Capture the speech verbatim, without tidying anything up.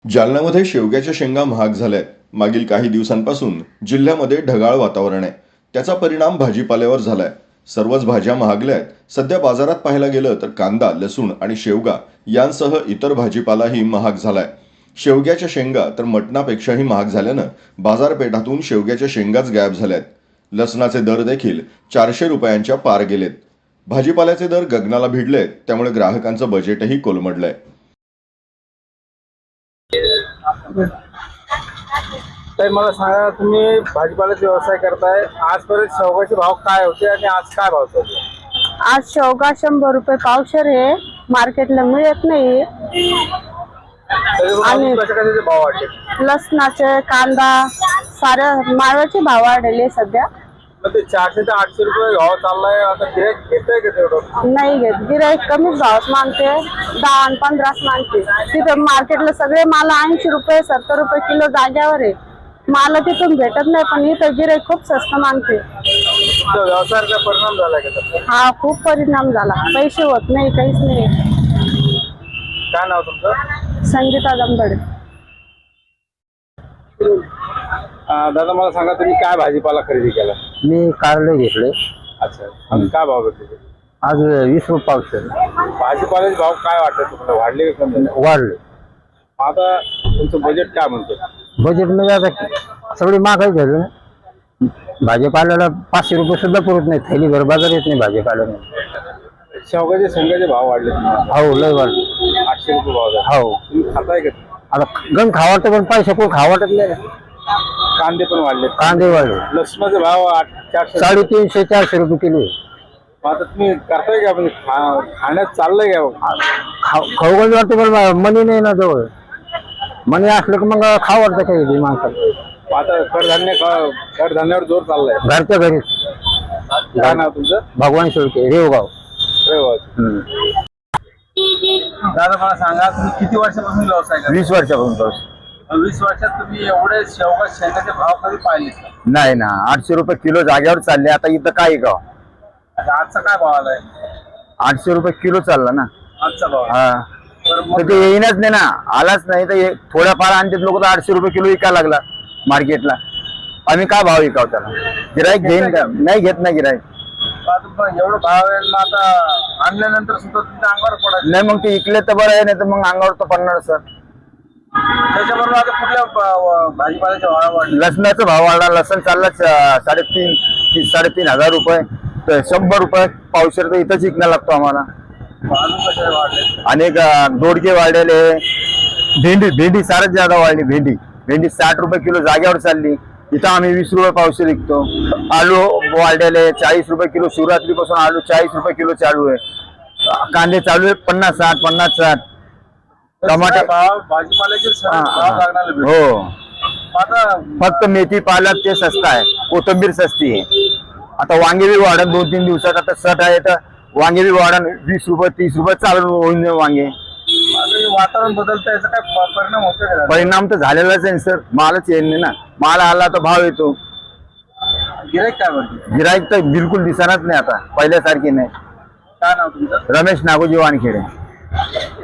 जालन्यामध्ये शेवग्याच्या शेंगा महाग झाल्यात. मागील काही दिवसांपासून जिल्ह्यामध्ये ढगाळ वातावरण आहे. त्याचा परिणाम भाजीपाल्यावर झालाय. सर्वच भाज्या महागल्यात. सध्या बाजारात पाहायला गेलं तर कांदा, लसूण आणि शेवगा यांसह इतर भाजीपालाही महाग झालाय. शेवग्याच्या शेंगा तर मटणापेक्षाही महाग झाल्यानं बाजारपेठातून शेवग्याच्या शेंगाच गायब झाल्यात. लसणाचे दर देखील चारशे रुपयांच्या पार गेलेत. भाजीपाल्याचे दर गगनाला भिडलेत, त्यामुळे ग्राहकांचं बजेटही कोलमडलंय. तर मला सांगा, तुम्ही भाजीपाल्याचा व्यवसाय करताय, आजपर्यंत शेवगाचे भाव काय होते आणि आज काय भाव चालू आहे? आज शेवगा शंभर रुपये पावशेर आहे, मार्केटला मिळत नाही. आणि कशाचे भाव वाढले? लसणाचे, कांदा, साऱ्या माळाचे भाव वाढले सध्या. मग ते चारशे ते आठशे रुपये भाव चाललाय. आता गिऱ्हाईक घेतोय का तेवढं? नाही घेत गिऱ्हाईक, कमीच भावात मागते, दहा आणि पंधराच मागते. तिथे मार्केटला सगळे माल ऐंशी रुपये सत्तर रुपये किलो जाग्यावर आहे. माल तिथून भेटत नाही, पण इथं गिऱ्हाईक खूप स्वस्त मागते. व्यवसायाचा परिणाम झालाय का? हा खूप परिणाम झाला. पैसे होत नाही, काहीच नाही. काय नाव तुमचं? संगीता दंबडे. दादा मला सांगा, तुम्ही काय भाजीपाला खरेदी केला? मी कारले घेतले. अच्छा, आणि काय भाव भेटले? आज वीस रुपये पावशेर. भाजीपाल्याचे भाव काय वाटत तुम्हाला, वाढले का कमी? वाढले. आता तुमचं बजेट काय म्हणतो? बजेट म्हणजे आता सगळी महागाई झाली ना. भाजीपाल्याला पाचशे रुपये सुद्धा पुरत नाही, थैली भर बाजार येत नाही भाजीपाल्याला. शेवगाचे शेंगाचे भाव वाढले? हो लय वाढले. आठशे रुपये भाव झाला. हो. तुम्ही खाताय का? आता गण खावा वाटतं, पण पैसे कोण खावा वाटत नाही. कांदे पण वाढले. कांदे वाढले. लसणाचे भाव आठ चारशे साडेतीनशे चारशे रुपये किलो आहे. आता तुम्ही करताय का, म्हणजे खा- खाण्यात चाललंय का? खाऊ गंज वाटतं, पण मनी नाही ना जवळ. मनी असलं की मग खाऊ वाटतं काही माणसाला. आता कडधान्य कडधान्यावर जोर चाललाय. घरच्या घरीच. काय नाव तुमचं? भगवान शेळके, रेवगाव. रेवाज. दादा मला सांगा, तुम्ही किती वर्षापासून व्यवसाय करता? वीस वर्षापासून पाऊस. वीस वर्षात तुम्ही एवढे शेवगा शेंगाचे भाव कधी पाहिले का? नाही ना, आठशे रुपये किलो जाग्यावर चालले. आता इथं काय गाव आता आजचा काय भाव आलाय? आठशे रुपये किलो चालला ना. आजचा भाव हा, बरं, तर मग ते येईनच नाही ना. आलाच नाही तर थोड्याफार आणतात लोक, तर आठशे रुपये किलो विकायला लागला मार्केटला. आम्ही काय भाव विकाव त्याला? गिराईक घेईन का? नाही घेत नाही गिराईक. आता एवढं भाव आहे ना, आता आणल्यानंतर सुद्धा तुमच्या अंगावर पडायचं. नाही, मग ते इकले तर बरं आहे, नाही तर मग अंगावर तर पडणार सर. त्याच्याबरोबर आता कुठल्या भा- भाजीपाल्याचे भाव वाढले? लसणाचा भाव वाढला. लसण चालला स- साडेतीन ती- साडेतीन हजार रुपये. तर शंभर रुपये पावशेर तर इथंच विकणं लागतो आम्हाला. अजून कसे वाढले? अनेक अं, दोडके वाढलेले. भेंडी भेंडी सारच जादा वाढली. भेंडी भेंडी साठ रुपये किलो जाग्यावर चालली. इथं आम्ही वीस रुपये पावशेर विकतो. आलू वाढलेले चाळीस रुपये किलो. शिवरात्रीपासून आलू चाळीस रुपये किलो चालू आहे. कांदे चालू आहे पन्नास साठ पन्नास साठ. टमाटे भाव भाजीपाल्याचे सगळे हा, भाव लागणार आहे. हो. आता फक्त मेथी पालक ते स्वस्त आहे. कोथिंबीर सस्ती आहे. आता वांगे बी वाढन दोन तीन दिवसात. आता सट आहे तर वांगे बी वाढन वीस रुपये तीस रुपये चालू होऊन वांगे. आता हे वातावरण बदलतं, याचा काय प- परिणाम होतो का? परिणाम तर झालेलाच आहे सर. मालच येत नाही ना. माल आला तर भाव येतो. गिऱ्हाईक काय म्हणते? गिराईक तर बिलकुल दिसणारच नाही आता, पहिल्यासारखी नाही. काय नाव तुमचं? रमेश नागोजी वानखेडे.